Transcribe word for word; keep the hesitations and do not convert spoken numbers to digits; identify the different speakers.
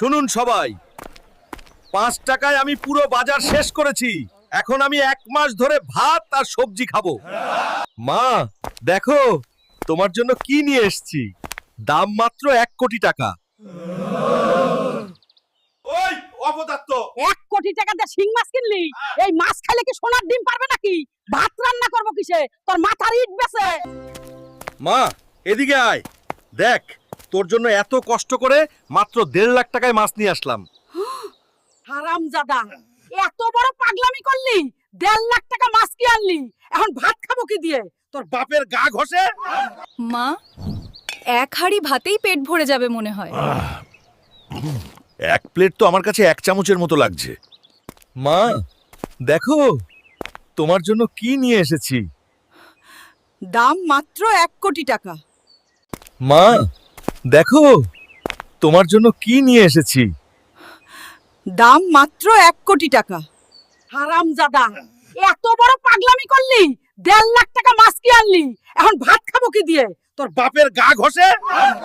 Speaker 1: শুনুন সবাই, পাঁচ টাকায় আমি পুরো বাজার শেষ করেছি। এখন আমি এক মাস ধরে ভাত আর সবজি খাবো। মা দেখো, তোমার জন্য কি নিয়ে এসেছি। দাম মাত্র এক কোটি টাকা। ওই অপদার্থ,
Speaker 2: এক কোটি টাকা দিয়ে শিং মাছ কিনলি? এই মাছ খেলে কি সোনার ডিম পারবে নাকি? ভাত রান্না করবো কিসে? তোর মাথার ইট বেছে।
Speaker 1: মা এদিকে আয়, দেখ তোর জন্য এত কষ্ট করে মাত্র দেড় লাখ টাকায় মাছ নিয়ে আসলাম।
Speaker 2: হারামজাদা, এত বড় পাগলামি করলি? দেড় লাখ টাকা মাছ কি আনলি? এখন ভাত খাবো কি দিয়ে?
Speaker 1: তোর বাপের গা ঘষে।
Speaker 3: মা, এক হাঁড়ি ভাতেই পেট ভরে যাবে মনে হয়।
Speaker 1: এক প্লেট তো আমার কাছে এক চামচের মতো লাগছে। মা দেখো, তোমার জন্য কি নিয়ে এসেছি।
Speaker 2: দাম মাত্র এক কোটি টাকা।
Speaker 1: মা দেখো, তোমার জন্য কি নিয়ে এসেছি।
Speaker 2: দাম মাত্র এক কোটি টাকা। হারামজাদা, এত বড় পাগলামি করলি? দেড় লাখ টাকা মাছ কি আনলি? এখন ভাত খাবো কি দিয়ে?
Speaker 1: তোর বাপের গা ঘষে।